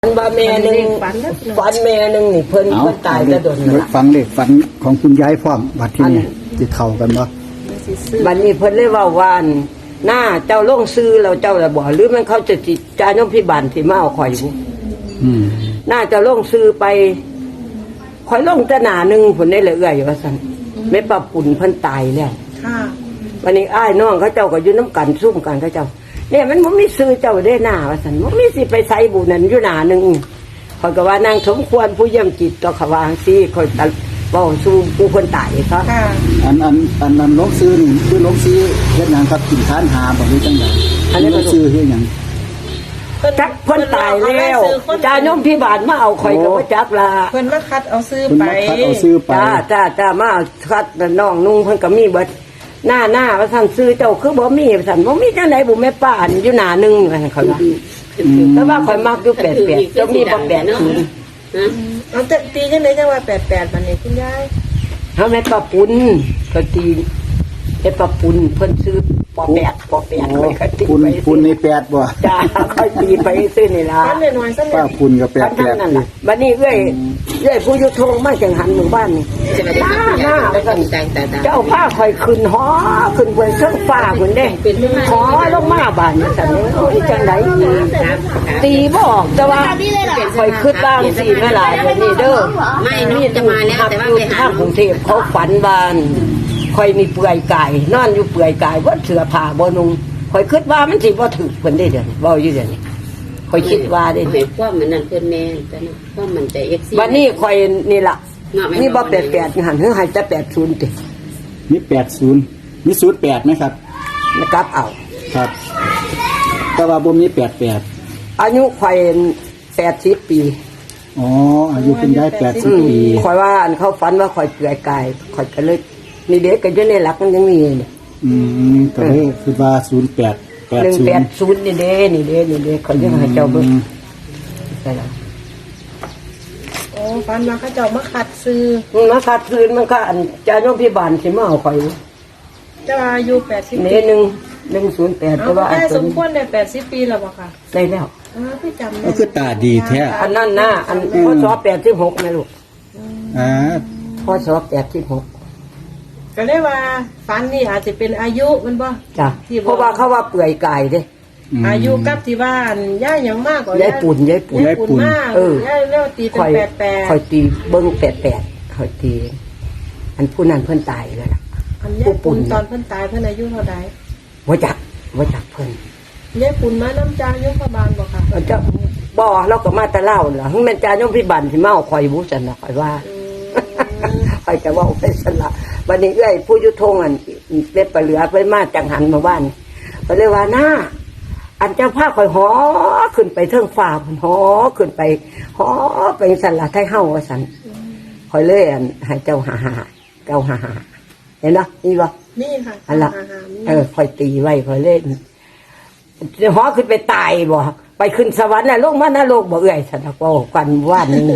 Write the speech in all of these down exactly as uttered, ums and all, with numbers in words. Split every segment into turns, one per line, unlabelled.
ฝันว่าแม่หนึ่งฝันแม่หนึ่งนี่เพิ่นเพิ่นตายจะโดนละ
ฟังเลขฝันของคุณยายพร้อมบัดที่นี่จะเข้ากันบ่
บัดนี้เพิ่นเลยว่าว่านหน้าเจ้าลงซื้อแล้วเจ้าละบ่หรือมันเขาจะจิจานมพิบันที่มาเอาข่อยบุ
อืม
หน้าเจ้าลงซื้อไปข่อยลงแต่หน้าหนึงผลได้เลยเอื้อยว่าซั่นแม่ปรับปุ่นเพิ่นตายแล้ว
ค่ะ
วันนี้อ้ายน้องเขาเจ้าก็อยู่น้ำกันซุ่มกันเขาเจ้าเนี่ยมันบ่มีซื้อเจ้าได้หน้าว่าซั่นบ่มีสิไปใส่บุญนั่นอยู่หน้าหนึงข่อยก็ว่านางสมควรผู้เยี่ยมจิตต่อเขาวาจังซี่ข่อยตะเว้าสู่ผู้คนตายเขา
ค่ะ
อันอันอันนั้นลงซื้อนี่คือลงซื้อเฮ็ดหยังครับกินทานหาบ่หรือจังได๋อันนี้ลงซื้อเฮ็ดหยัง
จักเพิ่นตายแล้วจาโยมพิบาลมาเอาข่อยก็บ่จักละ
เพิ่นมาคัดเอาซื้อ
เพิ่น
ไป
มาคัดเอาซื้อไป
จ้าจ้าจ้ามาเอาคัดน้องนุ่งเพิ่นก็มีเบิดหน้าหน้าว่าซั่นซื้อเจ้าคือบ่มีว่าซั่นบ่มีจังได๋บ่แม่ป้าอันอยู่หน้านึงว่าซั่นเขาว่าแต่ว่าข่อยมักอยู่แปดแปดเจ้ามีบ่แปดศูนย์
เอาแต่ตีจังได๋จังว่าแปดแปดบัดนี้คุณยาย
เฮาแม่ป้าปุ้นก็ตีเฮ็ดป้าปุ้นเพิ่นซื้อปอแปดปอแปดข่อยก็ตี
ปุน
ไป
ปุนในแปดบ่
จ้าค่อยตีไปซื้อนี่ล่ะ
ฟันน้อยๆซั่น
ป้าปุนกับแปด
ทั้
แป
ง
ด
นั่นล่ะบัดนี้เอ้ยเอ้ยผู้อยู่ทงมาจังหันหมู่บ้านนี่หน้าหน้าว่าซั่นเจ้าผ้าข่อยขึ้นหอขึ้นบนเครื่องฟ้าพุ่นเด้หอลงมาบ้านนี่ซั่นโอ้ยจังไดตีบ่ออกแต่ว่าข่อยขึ้นบ้างสิแม่หลายเดี๋ยวนี้เด้อ
ไม่น้องจะมาแล้วแต่ว่าไปหา
ทางกรุงเทพเขาฝันบ้านข่อยมีเปลือยกายนอนอยู่เปลือยกายบ่เสื้อผ้าบ่นุ่งข่อยคิดว่ามันสิบ่ถูกเพิ่นได้เดี๋ยวนี้บ่อยู่เดี๋ยวนี้ข่อยคิดว่าได้
เห็นความมันนั่นเพื่อนแม่แต่นะความมันใจเอ็กซี่
วันนี้ข่อยนี่ล่ะนี่บ่แปดแปดหันเฮือให้แต่แปดศูนย์ติ
มีแปดศูนย์มีศูนย์แปดไหมครับ
นะครับเอา
ครับ แต่ว่าบ่มีแปดแปด
อายุข่อยแปดสิบปี
อ๋ออายุคุณยายแปดสิ
อื
บ
ม
ปี
ข่อยว่าอันเขาฝันว่าข่อยเปลือยกายข่อยก็เลยนี่เด็กก็อยู่ในหลักมันยังมีนี่
อืมก็เลยคือว่าศูนย์แปดแปด
หนึ่ง
ศูน
แปด
ย์
ศูนย์นี่เด้นี่เด้นี่เด้ข่อยยังให้เจ้าเบิ่งใช่แล้ว
โอ้ฟันมาเขาเจ้ามาคัดซื้อ
มันมาคัดคืนมันก็อันจาโยมพิบาลสิมาเอาข่อย
เจ้าอายุแปดสิบ
เน
ปี
หนึ่งหนึ่งศูนย์แปด
เอา
แต่ว่า
คุณ
อัน
ยาย
ตั
ส
ว
ม
นี้
ควรได้แปดสิบปีแล้วบ่ค่ะ
ได้แล้ว
อ๋อพี่จำ
ก็คือตาดีแท้
อันนั้นนะอันพศแปดสิบหกนะลูก
อ่า
พศแปดสิบหก
ก็เลยว่าฟันนี่อาจจะเป็นอายุมันบ่
จ้ะ
ที่บอก
เพราะว่าเขาว่าเปื่อยกายเด้
ม
อายุกับที่บ้านย่ายังมากกว่าย
ายปุ่นยายปุ่น
ยายปุ่นมาก
เออ
ย่าเรียกว่าตีเป็น
ข่อย
แปดแปด
ข่อยตีเบิ้งแปดแปดข่อยตี อันผู้นั้นเพิ่นตายแล้วล่ะ
อันยายปุ่นตอนเพิ่นตายเพิ่นอายุเท่าใด
ว่าจักว่าจักเพิ่น
ยายปุ่นมาน้ำจางยมพบาลบ่ค่ะ
ว่าจักบ่เราก็มาแต่เล่าล่ะฮึแม่นจาโยมพิบันสิมาเอาข่อยบุซั่นน่ะข่อยว่า ข่อยจะเว่าไปซั่นล่ะวันนี้เอ้ยผู้อยู่ทงอันเล็บปลาเหลือไปมาจังหันมาบ้านก็เลยว่าหน้าอันเจ้าผ้าข่อยหอขึ้นไปเทิงฟ้าพุ่นหอขึ้นไปหอไปซั่นล่ะไทเฮาว่าซั่นข่อยเลยอันให้เจ้าหาหาเจ้าหาหาเห็นเนาะนี่บ่
นี่ค่ะ
อันละ
าหารนี่
เออค่อยตีไว้ค่อยเล่นหอขึ้นไปตายบ่ไปขึ้นสวรรค์น่ะลงมานรกบ่เอื้อยสันก็กันว่านนี่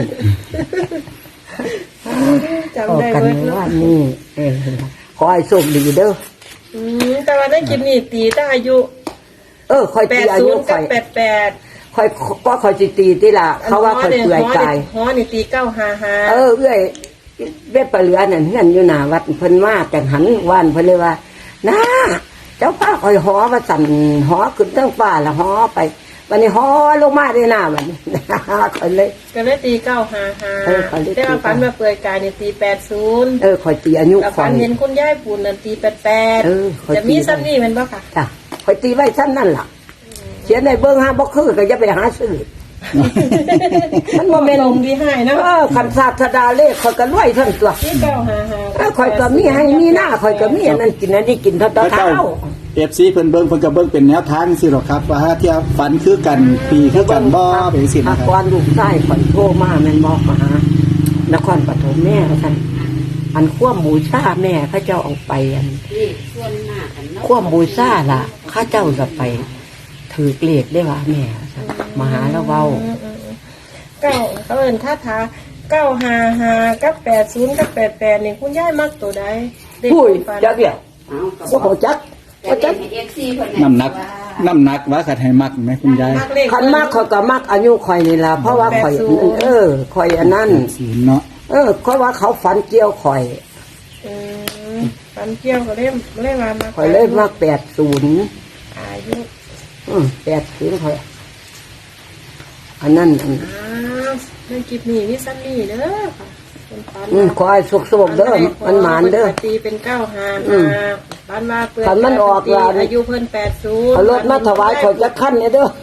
จำได้
กัน
เบิดเนาะ
ว่านนี่เออขอให้โชคดีเด้อ
อืมแต่ว่าได้กินนี่ตีตั้งอายุ
เออค่อย
แป
ตี
ด
อา
ศู
ยุ
นย์กั
ค่
บ
อย
แปดแปด
ค่อยก็ค่อยสิตีติล่ะเขาว่าค่อยเปื่อยกาย
ฮอนี่ตีเก้าหาหา
เออเอื้อยเว็บปลาเหลือนั่นเฮือนอยู่หน้าวัดเพิ่นมาจังหันว่านเพิ่นเลยว่าน้าเจ้าป้าค่อยหอว่าสั่นหอขึ้นเทิงฟ้าละหอไปวันนี้หอลงมาได้หน้าบัดนี้ ค่อยเลย
ก็เลยตีเก้าหาหา
เออเขาเลยตี
แต่ว่าฝันมาเปื่อยกายนี่ตีแปดศูนย์
เออคอยตีอายุ
แล้ว
คอ
ฝั
ย
นเห็นคุณยายปุ่นนั่นตีแปดแปด
เออข้อยตี
จะมีซ้ำนี่แมันบ่ค่ะ
จ้ะคอยตีไว้ซ้ำนั่นล่ะเขียนในเบิ้งห้าบ่คือก็จะไปหาซื้อ มันโมเมน
ลงดีให้นะ
เออคันศาสดาเลขคอยก็รวยทั้งตัว
ตีเก้าหาหา
เออคอยก็มีให้มีหน้าคอยก็มีอันนั้นกินอันนี้กินเท่า
พระ
เท้า
เจ้าเอฟซีเพิ่นเบิ่งเพิ่นก็เบิ่งเป็นแนวทางสิหรอกครับ ว่าถ้าเที่ยวฝันคือกันปีคือกันบ่เป็นสิ
อา
นะค
ก
รับ
รลูกชายคอยโทรมาแม่นบอกมาหานครปฐมแม่ท่านอันขั้วบูชาแม่เขาเจ้าเอาไปอัน
นี่ส่วนหน้ากันเนาะ
ขั้วบูชาล่ะข้าเจ้าจะไปถือเกลียดได้ว่าแม่ท่านมาหาแล้วเว้า
อืมอืมอืมเก้าเขาเอิ้นท่าทาเก้าหาหากับแปดศูนย์กับแปดแปดนี่คุณยายมักตัวใดเด็ก
อุ้ย
ฝัน
จักเดียว
เอากับ
ว่าเขาจัก
แต่
ว่าจัก
เอ็กซี่เพิ่น
น้ำหนักน้ำหนักว่าขัดให้มักไหมคุณยาย
มักเลข
คันมากข่อยก็มักอายุข่อยนี่ล่ะเพราะว่าข่อยเออข่อยอันนั้น
ศูนย์เนาะ
เออเพราะว่าเขาฝันเกี่ยวข่อย
อืมปันเกี่ยวก็เล่มเล่มมามา
ข่อยเลยมักแปดศูนย์
อายุ
อืมแปดศูนย์ข่อยอันนั้นอัน
อ้าวเรื่องกิบหนีนี่สั้นนี่เด้อค่ะเป็นปัน
อืมขอให้สุกๆเด้อมันหมานเด้อ
ตีเป็นเก้าหา
อืม
บ้านมาเปลือก
คันมันออก
ตี
ล่ะ
อายุเพิ่นแปดศูนย์
เอารถมาถวายข่อยจะขั้นเนี่ยเด้อ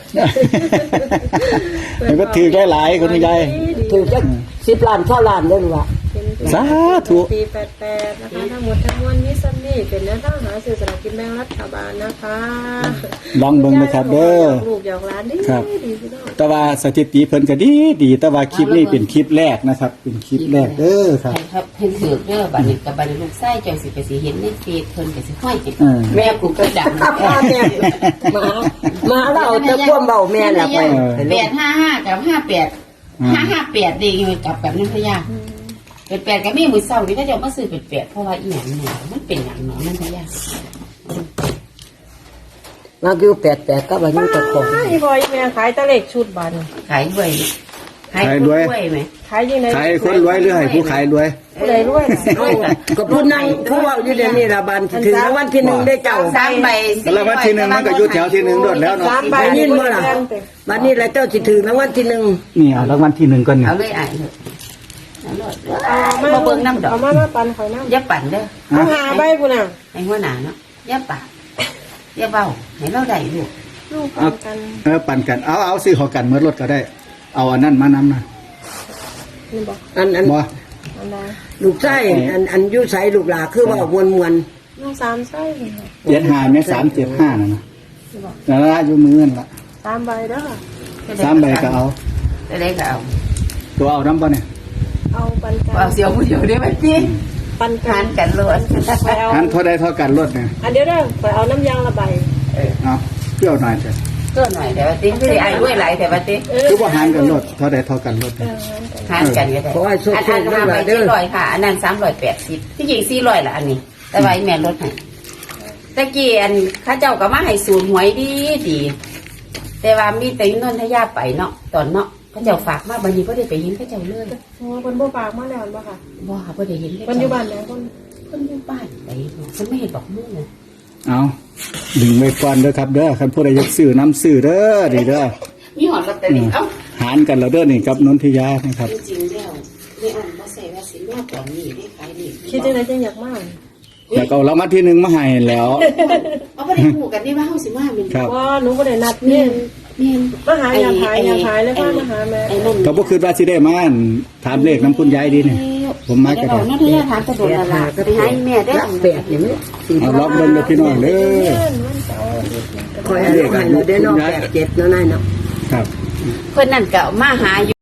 มันก็ถือได้หลายคุณยาย
ถือจะสิบล้านเท่าล้านเด้อหรือวะ
สาธุ
ปีแปดแปดนะคะทั้งหมดทั้งมวลนี้สั้นนี่เป็นแนวทางหาสื่อสลากกินแบ่งรัฐบาลนะคะ
ลองเบิ่งนะครับเด้อ
ลูกหยอกหลานดี
ครับ
ดีพี่น้อง
แต่ว่าสถิติเพิ่นก็ดีดีแต่ว่าคลิปนี้เป็นคลิปแรกนะครับ เป็นคลิปแรกเด้อครับ
ให้ครับเพิ่นถือเด้อบัดนี้กับบัดนี้ลูกไส้เจ้าสิไปสิเห็นในเฟซเพิ่นก็สิห้อยเก็บ
เออ
แม่กูก็ดัง
ข้าพ่อแม่มามาเราจะพ่วงเบาแม่ละไป
แปดห้าห้ากับห้าแปดห้าห้าแปดดีอยู่กับแบบนั้นพะยาเป็นแปดก็มีมือเศร้านี่ก็จะมาซื้อเป็นแปดเพราะว่าอีหยังเนี่ยมันเป็นหยังเนาะนั่นพะยา
มาอยู่แปดแปดก็อายุตะของ
อีบอยแม่ขายตะเล็กชุดบัน
ขายด้วยขายด้วยไหม
ขายยังไง
ขายคนรวยหรือให้ผู้ขายรวย
ผู้ใดรวยน่ะ
ก็พูดนั่งผู้ว่าอยู่เดี๋ยวนี้ละบันถึงรางวัลที่หนึ่งได้เจ้า
สามใบ
แล้ววันที่หนึ่งมันก็อยู่แถวที่หนึ่งโดดแล้วเนาะ
สามใบ
ไปยินเมื่อไหร่บันนี้ละเจ้าสิถึงรางวัลที่หนึ่ง
นี่เอารางวัลที่หนึ่งก่อนนี่
เอาเลยอ่านเถอะเอาเลย
เอามา
มาเบิ่งน้ำดอก
เอามามาปันเขาน้ำ
อย่าปั่นเด้อ
เอาหาใบปุ่นน่ะ
ให้หัวหน้าเนาะอย่าปั่นอย่าเบาให้เราได้ลูก
ลูกปันกัน
เออปั่นกันเอาเอาซื้อเขอกันเมื่อรถก็ได้ เอาอันนั้นมานำนะ
นี่บอก
อันอัน
บ่
อันใด
ลูกไส้อันอันอยุใสลูกหลาคือว่ามวลมวล
ลูกสามไส้นี่บอก
เจ็ดห้าแม่สามเจ็ดห้านะนะ
นี่บอก
แล้วละอยู่มือนั่นละ
สามใบเด้อ
สามใบก็เอา
จะได้ก็เอา
ตัวเอาน้ำบ่เนี่ย
เอาปันกัน
เอาเสียวผู้เดียวได้ไหมพี่
ปันกั
ทาน นกันล้วน
ไปเอา
หันเท่าใดเท่ากันรถเนี่ย
อันเดียวเด้อไปเอาน้ำยางละใบ
เอาเที่ยวหน่อยเถอะ
ก็หน่อยแต่ว่าติ๊กไม่ได้ไอ้ด้วยหลายแต่ว่าติ๊ก
เออ
คือว่าหันกันรถเท่าใดเท่ากันรถ
เอ
เนี่ย
อ
ทานกันก็ได้
ขอให้สุข
อัน
สุ
อั
ข
น
ลู
ห้าก
ห
ใบ
ลา
เจ็
เด้
ด
อ
ร้อยค่ะ อันนั้นสามร้อยแปดสิบที่จริงสี่ร้อยละอันนี้ แต่ว่าไอ้แม่ลดให้ตะกี้อันข้าเจ้าก็มาให้สูนหวยดีดีแต่ว่ามีแต่นนทยาไปเนาะตอนเนาะข้าเจ้าฝากมาบันนี้ก็ได้ไปยินข้าเจ้าเลย
โอ้คนบ่ปากมาแล้วบ่ค่ะ
บ่ค่ะบ่ได้ยิน
คนอยู่บ้านไหนคน
คนอยู่บ้านไปเนาะฉันไม่เห็นบอกมึงเลย
เอาดึงไว้ก่อนเด้อครับเด้อคันผู้ใดอยากซื้อน้ำซื้อเด้อดีเด้อ
มีหอดลอตเตอรี่เอ้า
หารกันแล้วเด้อนี่กับนนทิยานะครับ
จริงๆแล้วไม่อ่อนบ่ใส่ว่าสิมาตอนนี้ได้ขายนี่
คิดจังไดจังอยากมา
อยากเอารางวัลที่หนึ่งมาให้แล้ว
เอาบ่ได้ฮู้กันนี่ว่าเฮาสิมาแม่น
ครับ
ว่าหนูบ่ได้นัด
แม่
นี่
นแม่น
มาหาอยากขายอยากขายแล้วก็มาหาแม่
ไอ้นั่น
ก็บ่คือว่าสิได้มาอั่นถามเลขน้ำคุณยายดีนี่ ผมมาก็ได้
นั่นที่ถามตะโดนละล่ะไปให้แม่ได้
รักแปดอย่างนี้สี่
เอาล็อกเบิ่งเด้อพี่น้องเด้อ
คอยให้ลูกให้เราได้เนอกแปดเจ็ดเนาะนายเนาะ
ครับ
เพิ่นนั่นก็มาหา